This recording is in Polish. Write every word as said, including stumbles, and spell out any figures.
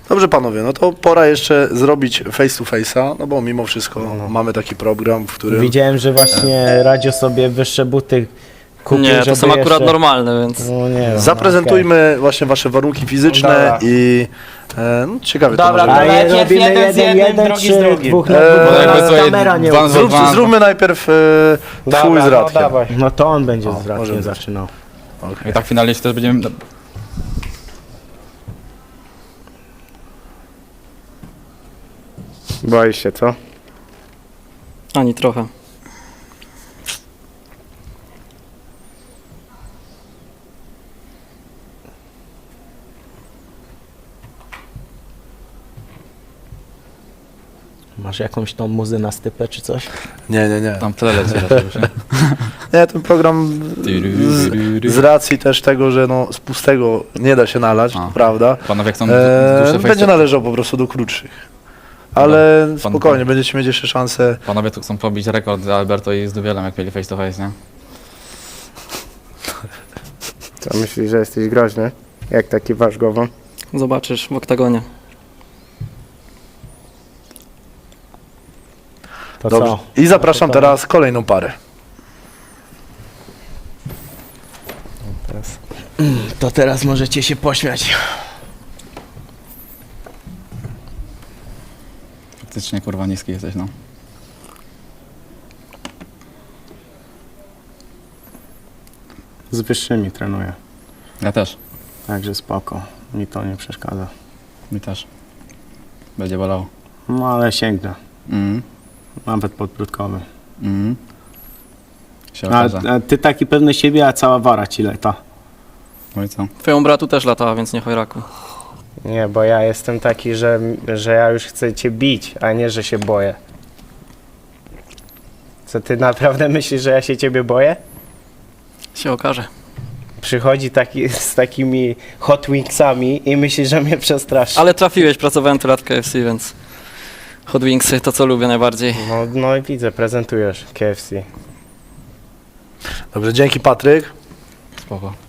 Dobrze panowie, no to pora jeszcze zrobić face to face'a, no bo mimo wszystko No. mamy taki program, w którym... Widziałem, że właśnie Radzio sobie wyższe buty kupił, Nie, to żeby są akurat jeszcze... normalne, więc... No nie wiem, Zaprezentujmy właśnie wasze warunki fizyczne Dobra. i e, no, ciekawie Dobra, to może A być. je Najpierw robimy jeden jeden, z jednym, jeden, drugi czy z drugim. dwóch na Eee, dwóch, bo jakby nas to kamera nie dwa- uda. Zrób, Dwa- zróbmy najpierw e, twój Dobra, z no Radkiem. dawaj. No to on będzie O, z może Radkiem być. zaczynał. Okay. I tak finalnie też będziemy... Boisz się, co? Ani trochę. Masz jakąś tą muzę na stypę czy coś? Nie, nie, nie. Tam tyle leci raczej już, nie? Nie, ten program z, z racji też tego, że no, z pustego nie da się nalać, A. to prawda, Panowie jak są e, dłuższe face będzie to... należał po prostu do krótszych. Ale Pan- spokojnie, pan- będziecie mieć jeszcze szansę. Panowie tu chcą pobić rekord z Alberto i z Dubielem, jak mieli face to face, nie? Co, myślisz, że jesteś groźny? Jak taki wasz głową? Zobaczysz w oktagonie. To Dobrze. co? I zapraszam No to- teraz kolejną parę. To teraz możecie się pośmiać. Faktycznie kurwa niski jesteś, no. Z wyższymi trenuję, Ja też. także spoko. Mi to nie przeszkadza. Mi też. Będzie bolało. No ale sięgnę, Mhm. nawet podbródkowy. Mhm. Się A, okaże. a ty taki pewny siebie, a cała wara ci lata. No i co? Twoją bratu też latała, więc nie chojraku. Nie, bo ja jestem taki, że, że ja już chcę cię bić, a nie, że się boję. Co, ty naprawdę myślisz, że ja się ciebie boję? Się okaże. Przychodzi taki z takimi hot wingsami i myślisz, że mnie przestraszy. Ale trafiłeś, pracowałem tyle lat w K F C, więc... Hot Wingsy to co lubię najbardziej. No, no i widzę, prezentujesz K F C. Dobrze, dzięki Patryk. Spoko.